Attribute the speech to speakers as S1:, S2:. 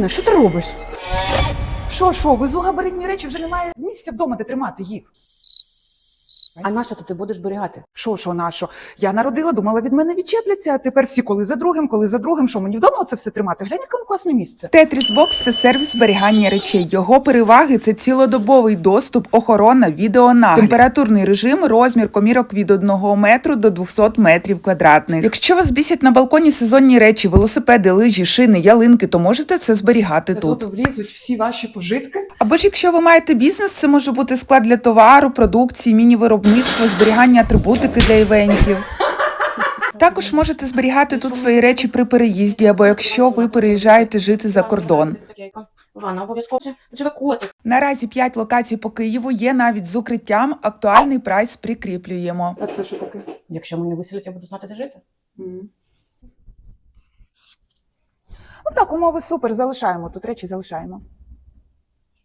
S1: Інна, що ти робиш? Що, везу габаритні речі, вже немає місця вдома, де тримати їх.
S2: А на що ти будеш зберігати?
S1: Що? Я народила, думала, від мене відчепляться, а тепер всі коли за другим. Що, мені вдома оце все тримати? Глянь, яке класне місце.
S3: Tetris Box – це сервіс зберігання речей. Його переваги – це цілодобовий доступ, охорона, відеонагляд, температурний режим, розмір комірок від 1 метру до 200 метрів квадратних. Якщо вас бісять на балконі сезонні речі, велосипеди, лижі, шини, ялинки, то можете це зберігати тут.
S1: Тут влізуть всі ваші пожитки.
S3: Або ж якщо ви маєте бізнес, це може бути склад для товару, продукції, міні-виробництво, зберігання атрибутики для івентів. Також можете зберігати тут свої речі при переїзді, або якщо ви переїжджаєте жити за кордон.
S2: Ванна обов'язково живе котик.
S3: Наразі 5 локацій по Києву, є навіть з укриттям, актуальний прайс прикріплюємо.
S1: А це що таке?
S2: Якщо мене виселять, я буду знати, де жити.
S1: Ну так, умови супер, залишаємо, тут речі залишаємо.